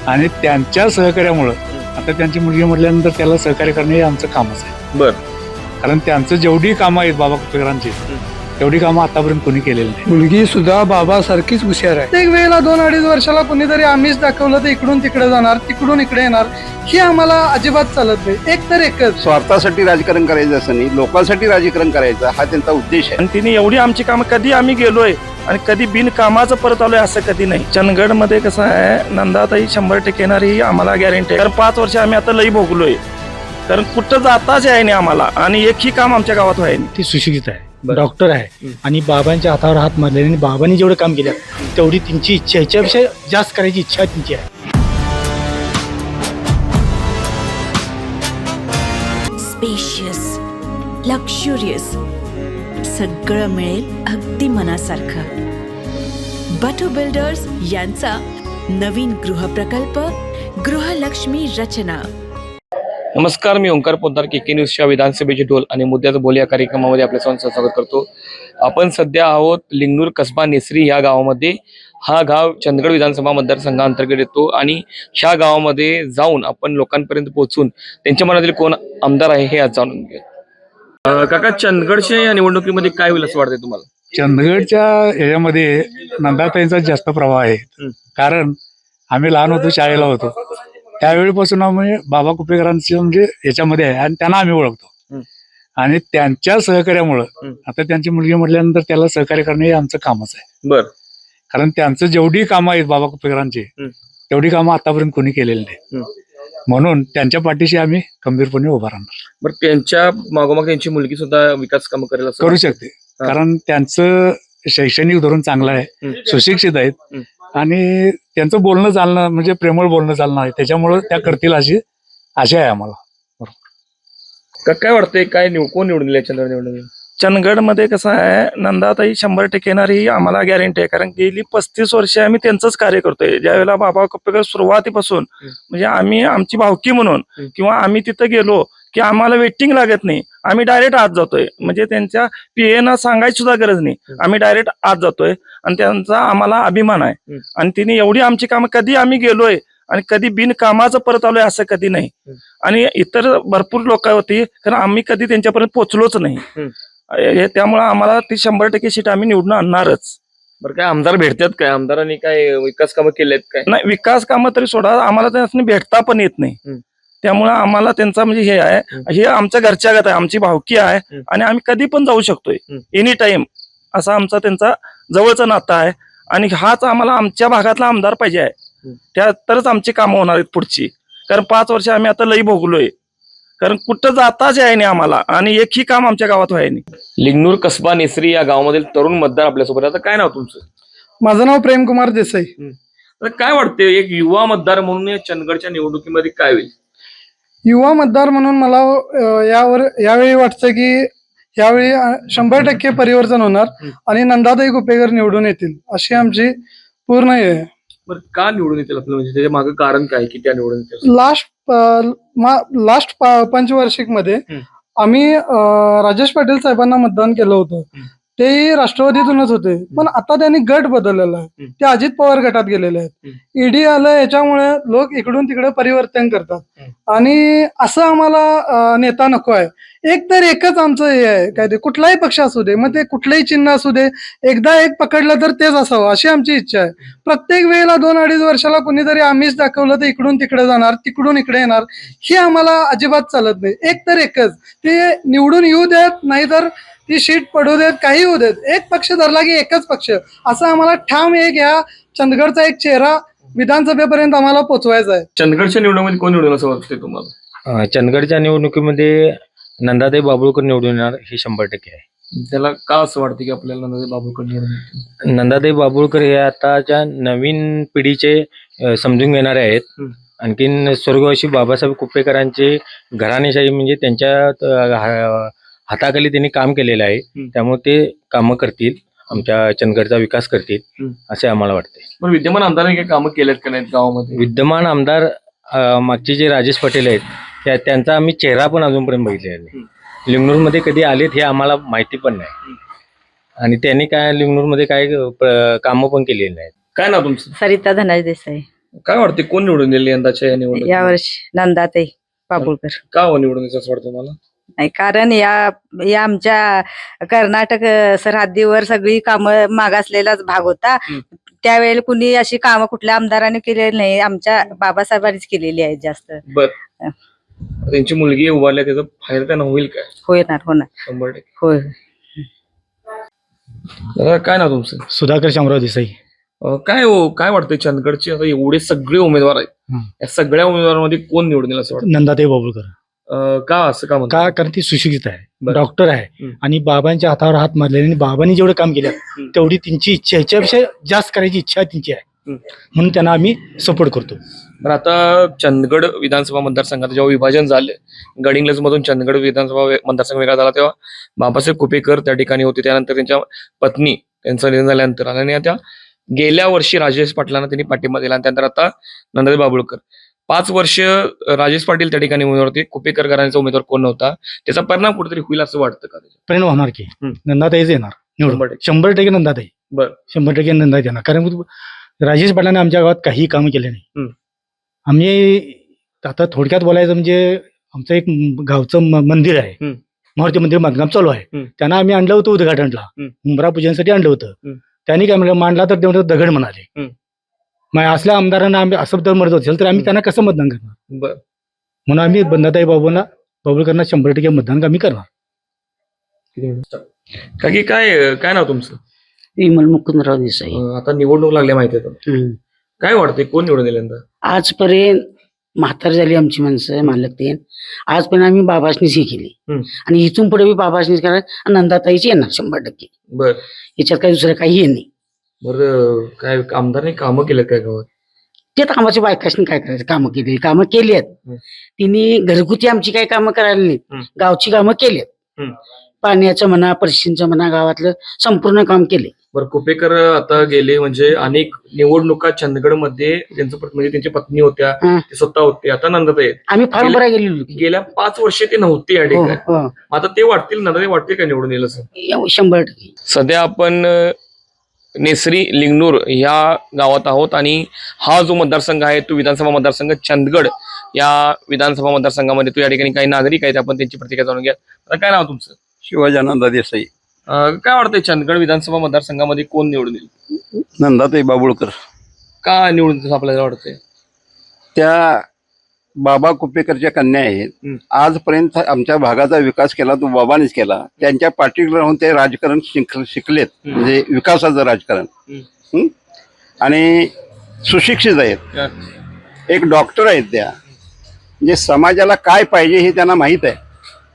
आणि त्यांच्या सहकार्यामुळं आता त्यांची मुलगी म्हटल्यानंतर त्याला सहकार्य करणे हे आमचं कामच आहे. बर. कारण त्यांचं जेवढी कामं आहेत बाबा कुपेकरांची तेवढी कामं आतापर्यंत कोणी केलेली नाही. मुलगी सुद्धा बाबासारखीच हुशार आहे. प्रत्येक वेळेला 2-2.5 वर्षाला कोणीतरी आम्हीच दाखवलं तर इकडून तिकडे जाणार, तिकडून इकडे येणार, ही आम्हाला अजिबात चालत नाही. एक तर एकच, स्वार्थासाठी राजकारण करायचं असं नाही, लोकांसाठी राजकारण करायचं हा त्यांचा उद्देश आहे. आणि तिने एवढी आमची कामं कधी आम्ही गेलोय आणि कधी बिनकामाचं परत आलोय असं कधी नाही. चंदगड मध्ये कसं आहे, नंदाताई 100% येणार ही आम्हाला गॅरंटी आहे. कारण 5 वर्ष आम्ही आता लई भोगलोय. कारण कुठं जाताच आहे नाही आम्हाला आणि एकही काम आमच्या गावात व्हाय नाही. ती सुशिक्षित आहे, डॉक्टर आहे आणि बाबांच्या हातावर हात मारले आणि बाबांनी जेवढं काम केलं तेवढी त्यांची इच्छा, ह्याच्यापेक्षा जास्त करायची इच्छा त्यांची आहे. स्पेशियस, लक्झुरियस, सगळं मिळेल अगदी मनासारखं. बटू बिल्डर्स यांचा नवीन गृहप्रकल्प गृहलक्ष्मी रचना. नमस्कार, मी ओंकार पोद्दार, के न्यूजच्या विधानसभेचे ढोल आणि मुद्द्याचं बोल या कार्यक्रमामध्ये आपल्या सर्वांचं स्वागत करतो. आपण सध्या आहोत लिंगनूर कसबा नेसरी या गावामध्ये. हा गाव चंदगड विधानसभा मतदारसंघाअंतर्गत येतो आणि ह्या गावामध्ये जाऊन आपण लोकांपर्यंत पोहोचून त्यांच्या मनातील कोण आमदार आहे हे आज जाणून घेऊ. काका, चंदगडच्या या निवडणुकीमध्ये काय होईल असं वाटतंय तुम्हाला? चंदगडच्या ह्याच्यामध्ये नंदाताईंचा जास्त प्रभाव आहे. कारण आम्ही लहान होतो, शाळेला होतो, त्यावेळीपासून आम्ही बाबा कुपेकरांचे म्हणजे याच्यामध्ये आहे आणि त्यांना आम्ही ओळखतो. आणि त्यांच्या सहकार्यामुळं आता त्यांची मुलगी म्हटल्यानंतर त्याला सहकार्य करणे हे आमचं कामच आहे. बर. कारण त्यांचं जेवढी कामं आहेत बाबा कुपेकरांची तेवढी कामं आतापर्यंत कोणी केलेली नाही. म्हणून त्यांच्या पाठीशी आम्ही खंबीरपणे उभा राहणार. बरं, त्यांच्या मागोमाग त्यांची मुलगी सुद्धा विकास कामं करेल असं करू शकते. कारण त्यांचं शैक्षणिक धोरण चांगलं आहे, सुशिक्षित आहेत आणि त्यांचं बोलणं चालणं म्हणजे प्रेमळ बोलणं चालणं आहे, त्याच्यामुळं त्या करतील अशी आशा आहे आम्हाला. काय वाटतंय, काय कोण निवडून दिले चंदगड निवडणुकीत? चंदगडमध्ये कसं आहे, नंदाताई 100% येणार ही आम्हाला गॅरंटी आहे. कारण गेली 35 वर्षे आम्ही त्यांचंच कार्य करतोय. ज्यावेळेला बाबा कुपेकर सुरुवातीपासून म्हणजे आम्ही आमची भावकी म्हणून किंवा आम्ही तिथं गेलो की आम्हाला वेटिंग लागत नाही, आम्ही डायरेक्ट आत जातोय. म्हणजे त्यांच्या पीएना सांगायची सुद्धा गरज नाही, आम्ही डायरेक्ट आत जातोय आणि त्यांचा आम्हाला अभिमान आहे. आणि तिने एवढी आमची कामं कधी आम्ही गेलोय आणि कधी बिनकामाचं परत आलोय असं कधी नाही. आणि इतर भरपूर लोक होती, कारण आम्ही कधी त्यांच्यापर्यंत पोहोचलोच नाही. त्यामुळे आम्हाला ती 100% सीट आम्ही निवडून आणणारच. बरं, काय आमदार भेटतात काय? आमदारांनी काय विकास कामं केलेत काय? नाही, विकास कामं तरी सोडा, आम्हाला त्यांनी भेटता पण येत नाही. त्यामुळे आम्हाला त्यांचा म्हणजे हे आहे, हे आमच्या घरच्या गत आहे, आमची भावकी आहे आणि आम्ही कधी पण जाऊ शकतोय, एनी टाइम. असा आमचा त्यांचा जवळचं नातं आहे आणि हाच आम्हाला आमच्या भागातला आमदार पाहिजे आहे. त्या तरच आमची कामं होणार आहेत पुढची. कारण 5 वर्ष आम्ही आता लई भोगलोय. कारण कुठं जाताच आहे नाही आम्हाला आणि एकही काम आमच्या गावात व्हाय नाही. लिंगनूर कसबा नेसरी या गावामधील तरुण मतदार आपल्यासोबत. आता काय नाव तुमचं? माझं नाव प्रेमकुमार देसाई. तर काय वाटतंय, एक युवा मतदार म्हणून या चंदगडच्या निवडणुकीमध्ये काय होईल? युवा मतदार म्हणून मला यावेळी वाटतं की यावेळी 100% परिवर्तन होणार आणि नंदाताई कुपेकर निवडून येतील अशी आमची पूर्ण हे आहे. बरं, का निवडून येतील आपलं, म्हणजे त्याच्या मागे कारण काय की त्या निवडून येतील? लास्ट पंचवार्षिक मध्ये आम्ही राजेश पाटील साहेबांना मतदान केलं होतं. तेही राष्ट्रवादीतूनच होते, पण आता त्यांनी गट बदललेला आहे, ते अजित पवार गटात गेलेले आहेत. ईडी आलं, याच्यामुळे लोक इकडून तिकडे परिवर्तन करतात आणि असं आम्हाला नेता नको आहे. एक तर एकच आमचं हे आहे, काय ते कुठलाही पक्ष असू दे, मग ते कुठलंही चिन्ह असू दे, एकदा एक पकडलं तर तेच असावं अशी आमची इच्छा आहे. प्रत्येक वेळेला 2-2.5 वर्षाला कोणीतरी आम्हीच दाखवलं तर इकडून तिकडे जाणार, तिकडून इकडे येणार, ही आम्हाला अजिबात चालत नाही. एक तर एकच, ते निवडून येऊ देत, नाहीतर ती शीट पडू देत, काही होऊ देत, एक पक्ष धरला की एकच पक्ष, असं आम्हाला ठाम एक या चंदगडचा एक चेहरा विधानसभेपर्यंत आम्हाला पोहोचवायचा आहे. चंदगडच्या निवडणुकीमध्ये कोण निवडून असं वाटतंय तुम्हाला? चंदगडच्या निवडणुकीमध्ये नंदाताई बाबुळकर निवडून येणार हे 100% आहे. त्याला का असं वाटतं की आपल्याला नंदाताई बाबुळकर निवडून? नंदाताई बाबुळकर हे आताच्या नवीन पिढीचे समजून घेणारे आहेत. आणखीन स्वर्गवासी बाबासाहेब कुपेकरांचे घराणेशाही म्हणजे त्यांच्या हाताखाली त्यांनी काम केलेलं आहे, त्यामुळे ते कामं करतील, आमच्या चंदगडचा विकास करतील असे आम्हाला वाटते. पण विद्यमान आमदारांनी काही कामं केलेत का नाहीत गावामध्ये? विद्यमान आमदार मागचे जे राजेश पाटील आहेत त्यांचा आम्ही चेहरा पण अजूनपर्यंत बघितलेला नाही. लिंगनूरमध्ये कधी आलेत हे आम्हाला माहिती पण नाही आणि त्यांनी काय लिंगनूरमध्ये काय कामं पण केलेली नाहीत. काय नाव तुमचं? सरिता धनाज देसाई. काय वाटते कोण निवडून येईल यंदाच्या या निवडणुकीत? यावर्षी नंदाताई बाबुळकर. का हो निवडून यायचं असं वाटतं मला? नाही, कारण या आमच्या कर्नाटक सरहद्दीवर सगळी कामं मागासलेलाच भाग होता. त्यावेळेला कुणी अशी कामं कुठल्या आमदाराने केलेली नाही, आमच्या बाबासाहेबांनीच केलेली आहेत जास्त. बर त्यांची मुलगी उभारल्या त्याचा फायदा त्यांना होईल काय? होणार 100%. होय. दादा, काय नाव तुमचं? सुधाकर शामराव देसाई. काय वाटतंय चंदगडचे आता एवढे सगळे उमेदवार आहेत, या सगळ्या उमेदवारांमध्ये कोण निवडून येईल असं वाटतं? नंदाताई बाबुळकर. का असं का म्हणता? का कारण ती सुशिक्षित आहे, बरं. डॉक्टर आहे आणि बाबांच्या हातावर हात मारले आणि बाबांनी जेवढं काम केलं तेवढी त्यांची इच्छा, ह्याच्यापेक्षा जास्त करायची इच्छा त्यांची आहे, म्हणून त्यांना आम्ही सपोर्ट करतो. तर आता चंदगड विधानसभा मतदारसंघात जेव्हा विभाजन झालं, गडिंग्लज मधून चंदगड विधानसभा मतदारसंघ वेगळा झाला, तेव्हा बाबासाहेब कुपेकर त्या ठिकाणी होते. त्यानंतर त्यांच्या पत्नी त्यांचं निधन झाल्यानंतर आणि त्या गेल्या वर्षी राजेश पाटलांना त्यांनी पाठिंबा दिला आणि त्यानंतर आता नंदाताई बाबुळकर. 5 वर्ष राजेश पाटील त्या ठिकाणी उमेदवार होते, कुपेकर घराण्याचा उमेदवार कोण नव्हता. त्याचा परिणाम कुठेतरी होईल असं वाटतं का? परिणाम होणार की नंदाताईच येणार निवडून, 100% नंदाताई. बरं. 100% नंदाताई येणार, कारण राजेश पाटलांनी आमच्या गावात काही काम केले नाही. आम्ही आता थोडक्यात बोलायचं म्हणजे आमचं एक गावचं मंदिर आहे, मारुती मंदिर बांधकाम चालू आहे. त्यांना आम्ही आणलं होतं उद्घाटनला, उंबरा पूजनासाठी आणलं होतं. त्यांनी काय म्हणलं, मांडला तर तेवढं दगड म्हणाले. मग असल्या आमदारांना आम्ही असं जर मरत असेल तर आम्ही त्यांना कसं मतदान करणार? म्हणून आम्ही नंदाताई बाबुळकरांना 100% मतदान आम्ही करणार. काय नाव तुमचं? विमल मुकुंदराव देसाई. आता निवडणूक लागल्या माहिती आहे, काय वाटतंय कोण निवडून येईल यंदा? आजपर्यंत म्हातार झाली आमची माणसं मालक ते, आजपर्यंत आम्ही बाबासनीच हे केली आणि इथून पुढे बाबासनीच करा. नंदाताईची येणार 100%. बर. याच्यात काही दुसरं काही हे नाही. बरं, काय आमदारने कामं केलेत काय गावात? ते कामाच्या बायकाशनी काय करायचं, कामं केली आहेत. तिने घरगुती आमची काही कामं करायला नाहीत, गावची कामं केली आहेत. पाण्याचं म्हणा, परिशींचं म्हणा, गावातलं संपूर्ण काम केले. बरं, कुपेकर आता गेले म्हणजे अनेक निवडणुका चंदगडमध्ये म्हणजे त्यांच्या पत्नी होत्या, ते स्वतः होते. आता नंदाताई आहेत. आम्ही फार बरं गेलेलो. गेल्या 5 वर्षे ते नव्हते या ठिकाणी. आता ते वाटतील, नंदाताई वाटते का निवडून येईल असं? 100%. सध्या आपण नेसरी लिंगनूर या गावात आहोत आणि हा जो मतदारसंघ आहे तो विधानसभा मतदारसंघ चंदगड या विधानसभा मतदारसंघामध्ये तो या ठिकाणी काही नागरिक आहेत, आपण त्यांची प्रतिक्रिया जाणून घ्या. आता काय नाव तुमचं? शिवाजानंद देसाई. काय वाटतंय चंदगड विधानसभा मतदारसंघामध्ये कोण निवडून येईल? नंदाताई बाबुळकर. का निवडून येईल असं आपल्याला वाटतंय? त्या बाबा कुपेकरच्या कन्या आहेत. आजपर्यंत आमच्या भागाचा विकास केला तो बाबांनीच केला. त्यांच्या पाठीवर राहून ते राजकारण शिकलेत, म्हणजे विकासाचं राजकारण. आणि सुशिक्षित आहेत, एक डॉक्टर आहेत त्या. म्हणजे समाजाला काय पाहिजे हे त्यांना माहीत आहे.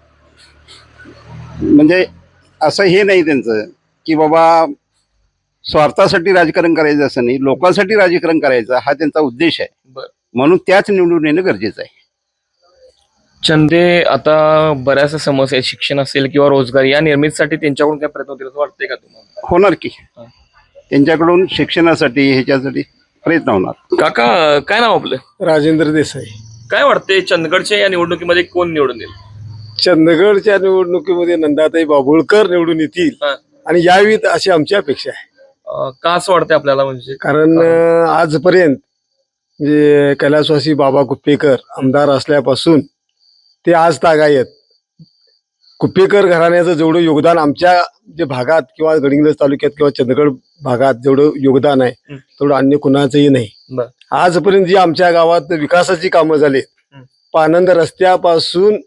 म्हणजे असं हे नाही त्यांचं की बाबा स्वार्थासाठी राजकारण करायचं असं नाही, लोकांसाठी राजकारण करायचं हा त्यांचा उद्देश आहे. म्हणून त्याच निवडून येणं गरजेचं आहे. चंदे आता बऱ्याचशा समस्या आहेत, शिक्षण असेल किंवा रोजगार या निर्मितीसाठी त्यांच्याकडून काय प्रयत्न होतील असं वाटतंय का तुम्हाला? होणार की त्यांच्याकडून शिक्षणासाठी ह्याच्यासाठी प्रयत्न होणार. काका, काय नाव आपलं? राजेंद्र देसाई. काय वाटतंय चंदगडच्या या निवडणुकीमध्ये कोण निवडून येईल? चंदगडच्या निवडणुकीमध्ये नंदाताई बाबुळकर निवडून येतील आणि यावीत अशी आमची अपेक्षा आहे. का असं वाटतंय आपल्याला? म्हणजे कारण आजपर्यंत म्हणजे कैलासवासी बाबा कुपेकर आमदार असल्यापासून ते आज तागायत कुपेकर घराण्याचं जेवढं योगदान आमच्या जे भागात किंवा गडिंग्लज तालुक्यात किंवा चंदगड भागात जेवढं योगदान आहे तेवढं अन्य कुणाचंही नाही. आजपर्यंत जी आमच्या गावात विकासाची कामं झाली, पानंद रस्त्यापासून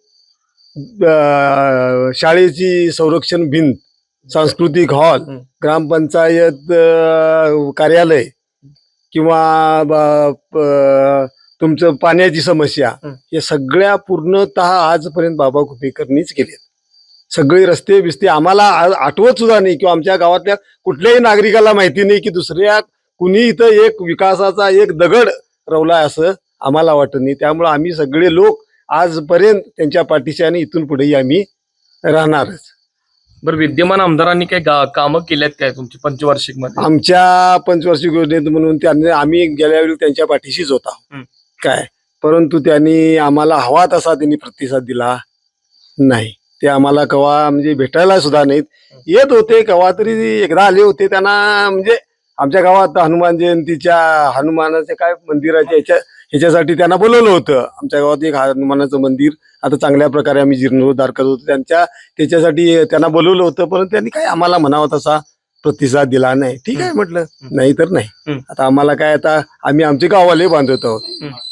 शाळेची संरक्षण भिंत, सांस्कृतिक हॉल, ग्रामपंचायत कार्यालय किंवा तुमचं पाण्याची समस्या, हे सगळ्या पूर्णतः आजपर्यंत बाबा कुपेकरनीच केले. सगळे रस्ते बिस्ते आम्हाला आठवत सुद्धा नाही किंवा आमच्या गावातल्या कुठल्याही नागरिकाला माहिती नाही की दुसऱ्या कुणी इथं एक विकासाचा एक दगड रवलाय असं आम्हाला वाटत नाही. त्यामुळे आम्ही सगळे लोक आजपर्यंत त्यांच्या पाठीशी आणि इथून पुढेही आम्ही राहणारच. बरं, विद्यमान आमदारांनी काय कामं केल्यात काय तुमची पंचवार्षिक मध्ये? आमच्या पंचवार्षिक योजनेत म्हणून त्यांनी आम्ही गेल्या वेळी त्यांच्या पाठीशीच होता काय, परंतु त्यांनी आम्हाला हवा तसा त्यांनी प्रतिसाद दिला नाही. ते आम्हाला कवा म्हणजे भेटायला सुद्धा नाहीत. येत होते कवा तरी, एकदा आले होते, त्यांना म्हणजे आमच्या गावात हनुमान जयंतीच्या हनुमानाच्या काय मंदिराच्या ह्याच्यासाठी त्यांना बोलवलं होतं. आमच्या गावात एक हनुमानाचं मंदिर आता चांगल्या प्रकारे आम्ही जीर्णोद्धार करत होतो. त्याच्यासाठी त्यांना बोलवलं होतं, परंतु त्यांनी काय आम्हाला म्हणावा तसा प्रतिसाद दिला नाही. ठीक आहे म्हटलं, नाही तर नाही. आता आम्हाला काय, आता आम्ही आमचे गाववाले बांधत आहोत.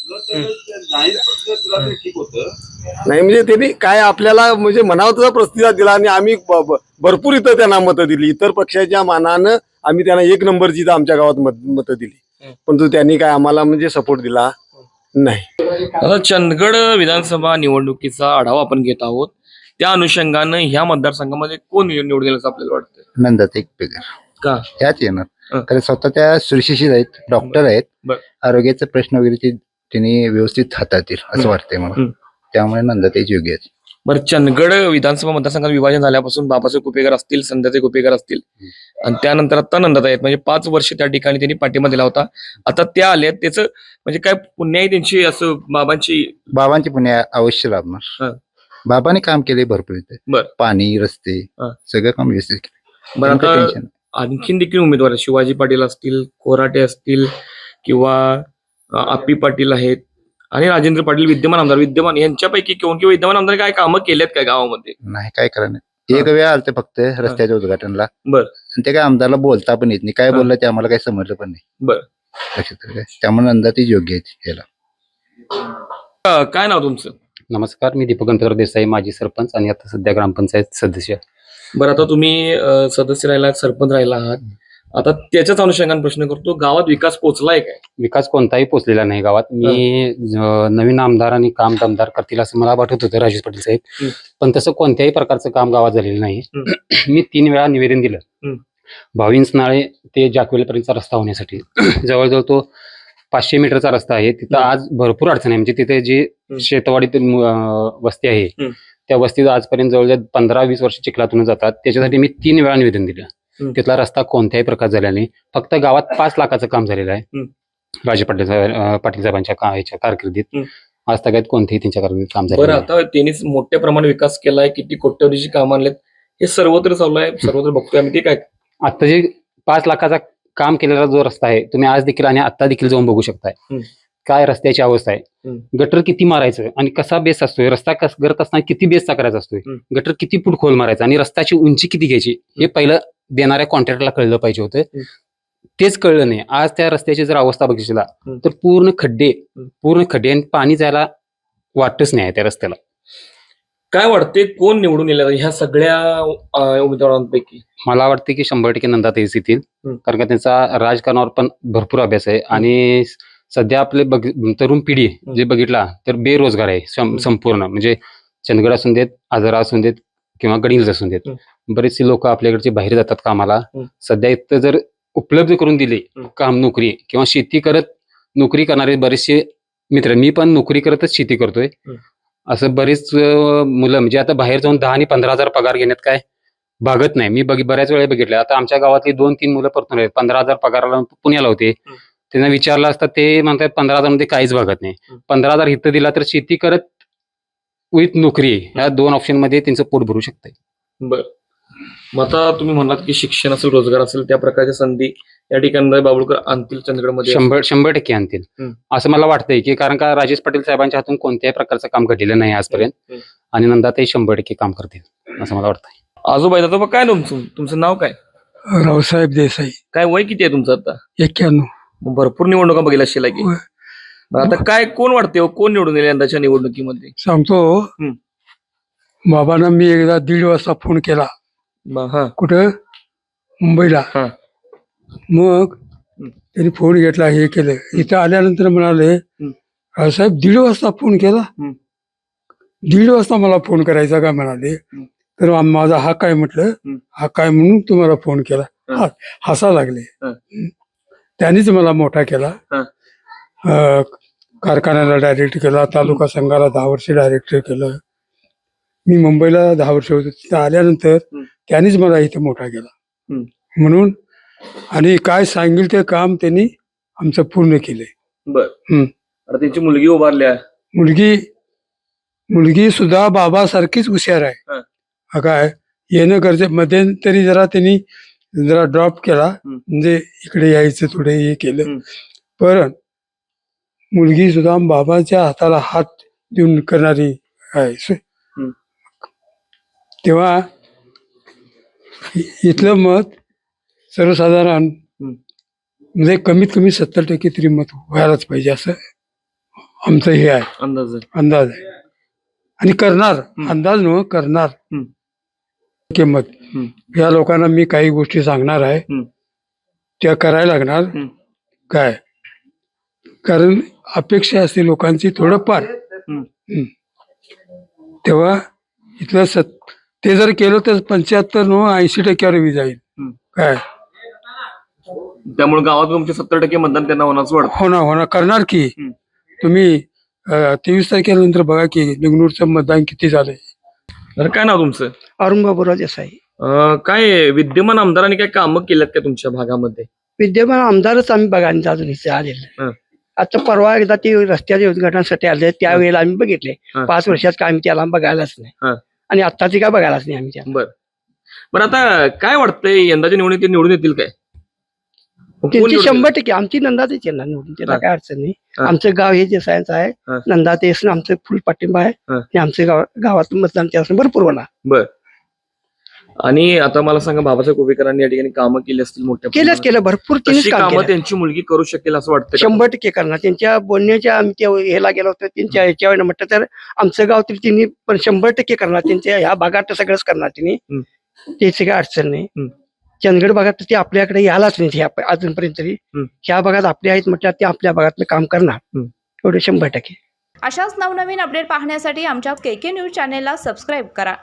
नाही म्हणजे त्यांनी काय आपल्याला म्हणजे म्हणावा तसा प्रतिसाद दिला आणि आम्ही भरपूर इथं त्यांना मतं दिली. इतर पक्षाच्या मानानं आम्ही त्यांना 1 नंबरची इथं आमच्या गावात मतं दिली, परंतु त्यांनी काय आम्हाला म्हणजे सपोर्ट दिला नाही. आता चंदगड विधानसभा निवडणुकीचा आढावा आपण घेत आहोत. त्या अनुषंगानं ह्या मतदारसंघामध्ये कोण निवडून गेलं असं आपल्याला वाटतं? नंदाताई कुपेकर का? ह्याच येणार, कारण स्वतः त्या सुशिक्षित आहेत, डॉक्टर आहेत. बर. आरोग्याचे प्रश्न वगैरे त्यांनी व्यवस्थित हाताळतील असं वाटतंय मला. त्यामुळे नंदाताईच योग्य आहेत. बरं, चंदगड विधानसभा मतदारसंघात विभाजन झाल्यापासून बाबासाहेब कुपेकर असतील, संध्याताई कुपेकर असतील आणि त्यानंतर आता नंदाताई आहेत. म्हणजे 5 वर्ष त्या ठिकाणी त्यांनी पाठिंबा दिला होता. आता त्या आल्या, त्याचं म्हणजे काय पुण्य आहे त्यांची, असं बाबांची पुण्य अवश्य लाभणार. बाबांनी काम केले भरपूर इथे. बर. पाणी, रस्ते सगळं काम व्यवस्थित केले. बरं, आता टेन्शन आणखीन देखील उमेदवार आहेत. शिवाजी पाटील असतील, कोराटे असतील किंवा आप्पी पाटील आहेत आणि राजेंद्र पाटील विद्यमान यांच्यापैकी किंवा विद्यमान आमदार काय कामं केलेत काय गावामध्ये? नाही, काय करणार. एक वेळ आलते फक्त रस्त्याच्या उद्घाटनला. बर. आणि ते काय आमदारला बोलता पण येत नाही. काय बोललं ते आम्हाला काही समजलं पण नाही. बर. लक्षात आलं काय? त्यामुळे नंदाताईच योग्य आहेत याला. काय नाव तुमचं? नमस्कार, मी दीपक गणपतराव देसाई, माजी सरपंच आणि आता सध्या ग्रामपंचायत सदस्य. बरं, आता तुम्ही सदस्य राहिला, सरपंच राहिला आहात. आता त्याच्याच अनुषंगाने प्रश्न करतो, गावात विकास पोहोचलाय काय? विकास कोणताही पोचलेला नाही गावात. मी नवीन आमदार आणि काम दमदार करतील असं मला वाटत होतं राजेश पाटील साहेब, पण तसं कोणत्याही प्रकारचं काम गावात झालेलं नाही. मी 3 वेळा निवेदन दिलं. भाविंस नाळे ते जाकवेलपर्यंतचा रस्ता होण्यासाठी जवळजवळ तो 500 मीटरचा रस्ता आहे. तिथं आज भरपूर अडचण आहे. म्हणजे तिथे जी शेतवाडीतील वस्ती आहे त्या वस्तीत आजपर्यंत जवळजवळ 15-20 वर्ष चिखलातून जातात. त्याच्यासाठी मी 3 वेळा निवेदन दिलं. तिथला रस्ता कोणत्याही प्रकार झाला नाही. फक्त गावात 5 लाखाचं काम झालेलं आहे राजे पाटील साहेबांच्या कारकिर्दीत. आज तगायत कोणतेही त्यांच्या कारकिर्दीत काम झालं. बरं, आता त्यांनीच मोठ्या प्रमाणात विकास केलाय, किती कोट्यवधीची कामं आणलेत, हे सर्वत्र चालू आहे, सर्वत्र बघतोय आम्ही. ते काय आता जे 5 लाखाचा काम केलेला जो रस्ता आहे तुम्ही आज देखील आणि आता देखील जाऊन बघू शकताय काय रस्त्याची अवस्था आहे. गटर किती मारायचं आणि कसा बेस असतोय, रस्ता करत असताना किती बेसचा करायचा असतोय, गटर किती फूट खोल मारायचा आणि रस्त्याची उंची किती घ्यायची हे पहिलं देणाऱ्या कॉन्ट्रॅक्टरला कळलं पाहिजे होतं. तेच कळलं नाही. आज त्या रस्त्याची जर अवस्था बघितली तर पूर्ण खड्डे आणि पाणी जायला वाटच नाही त्या रस्त्याला. काय वाटते, कोण निवडून येईल ह्या सगळ्या उमेदवारांपैकी? मला वाटते की 100% नंदाताईच येतील, कारण का त्यांचा राजकारणावर पण भरपूर अभ्यास आहे आणि सध्या आपले तरुण पिढी जे बघितला तर बेरोजगार आहे संपूर्ण. म्हणजे चंदगड असून देत, आजरा असून देत किंवा गडिंग्लज असून देत, बरेचसे लोक आपल्याकडचे बाहेर जातात कामाला. सध्या इथं जर उपलब्ध करून दिले काम, नोकरी किंवा शेती करत नोकरी करणारे बरेचसे मित्र, मी पण नोकरी करतच शेती करतोय, असं बरेच मुलं म्हणजे आता बाहेर जाऊन 10 आणि 15,000 पगार घेण्यात काय भागत नाही. मी बऱ्याच वेळा बघितलं. आता आमच्या गावातली 2-3 मुलं परतून आहेत, 15,000 पगाराला पुण्याला होते. त्यांना विचारलं असता ते म्हणतात 15,000 मध्ये काहीच भागत नाही. 15,000 इथं दिला तर शेती करत विथ नोकरी ह्या 2 ऑप्शन मध्ये त्यांचं पोट भरू शकतंय. बर, मग आता तुम्ही म्हणलात की शिक्षण असेल, रोजगार असेल, त्या प्रकारच्या संधी या ठिकाणी बाबुळकर आणतील चंदगडमध्ये? 100% आणतील असं मला वाटतंय की, कारण का राजेश पाटील साहेबांच्या हातून कोणत्याही प्रकारचं काम घडलेलं नाही आजपर्यंत आणि नंदाताई 100% काम करतील असं मला वाटतंय. आजोबाई, आता काय तुमचं नाव काय? रावसाहेब देसाई. काय वय किती आहे तुमचं आता? 91. भरपूर निवडणुका बघितल्या असतील की. आता काय कोण वाटते, कोण निवडून येईल यंदाच्या निवडणुकीमध्ये? सांगतो, बाबांना मी एकदा 1:30 वाजता फोन केला. कुठं? मुंबईला. मग त्यांनी फोन घेतला, हे केलं. इथं आल्यानंतर म्हणाले, रावसाहेब 1:30 वाजता फोन केला? 1:30 वाजता मला फोन करायचा का म्हणाले. तर माझा हा काय म्हटलं, हा काय म्हणून तुम्हाला फोन केला. हसा लागले. त्यांनीच मला मोठा केला. कारखान्याला डायरेक्ट केला, तालुका संघाला 10 वर्ष डायरेक्टर केलं. मी मुंबईला 10 वर्ष होतो. तिथं आल्यानंतर त्यांनीच मला इथं मोठा केला. म्हणून आणि काय सांगेल ते काम त्यांनी आमचं पूर्ण केलंय. बर, त्यांची मुलगी उभारल्या. मुलगी सुद्धा बाबासारखीच हुशार आहे. काय येणं गरजे मध्यंतरी जरा त्यांनी जरा ड्रॉप केला म्हणजे इकडे यायचं थोडे हे केलं. पण मुलगी सुद्धा बाबाच्या हाताला हात देऊन करणारी आहे. तेव्हा इथलं मत सर्वसाधारण म्हणजे कमीत कमी 70% तरी मत व्हायलाच पाहिजे असं आमचं हे आहे, अंदाज आहे. आणि करणार, अंदाज न करणार किंमत या लोकांना मी काही गोष्टी सांगणार आहे, त्या करायला लागणार. काय कारण अपेक्षा असते लोकांची थोडंफार. तेव्हा इथलं ते जर केलं तर 75-80% जाईल. काय त्यामुळे गावात तुमचे 70% मतदान त्यांना होणार असं वाटतं. होणार करणार की. तुम्ही 23 तारखेनंतर बघा की निगनूरचं मतदान किती झालंय. तर काय नाव तुमचं? अरुण बाबूराव देसाई. काय विद्यमान आमदारांनी काय कामं केल्यात का तुमच्या भागामध्ये? विद्यमान आमदारच आम्ही बघायला अजून इथे आलेलं. आता परवा एकदा ते रस्त्याच्या उद्घाटनासाठी आले, त्यावेळेला आम्ही बघितले. 5 वर्षात काय आम्ही त्याला बघायलाच नाही, आणि आत्ताची काय बघायलाच नाही आम्ही त्याला. बरं आता काय वाटतंय यंदाच्या निवडणुकीत निवडून येतील काय? कोण त्यांची निवडून 100% आमची नंदातेच येणार निवडून, त्याला काय अडचण नाही. आमचं गाव हे देसायांचं आहे, नंदातेच आमचं फुल पाठिंबा आहे, आणि आमचं गावातून मतदान त्यापासून भरपूर होणार. बर. आणि आता मला सांगा, बाबासाहेब कुपेकरांनी या ठिकाणी कामं केली असतील मोठ्या केलं भरपूर. तशी कामं त्यांची मुलगी करू शकेल असं वाटतं? 100% करणार. त्यांच्या बोलण्याच्या आम्ही त्या ह्याला गेलो होतो, त्यांच्या ह्याच्यावर म्हटलं तर आमचं गाव तरी त्यांनी पण 100% करणार. त्यांच्या ह्या भागात सगळंच करणार त्यांनी, त्याची काय अडचण नाही. चंदगड भागात ते आपल्याकडे यायलाच नाही अजूनपर्यंत तरी. ह्या भागात आपले आहेत म्हटलं ते आपल्या भागातलं काम करणार एवढे 100%. अशाच नवनवीन अपडेट पाहण्यासाठी आमच्या KK न्यूज चॅनेलला सबस्क्राईब करा.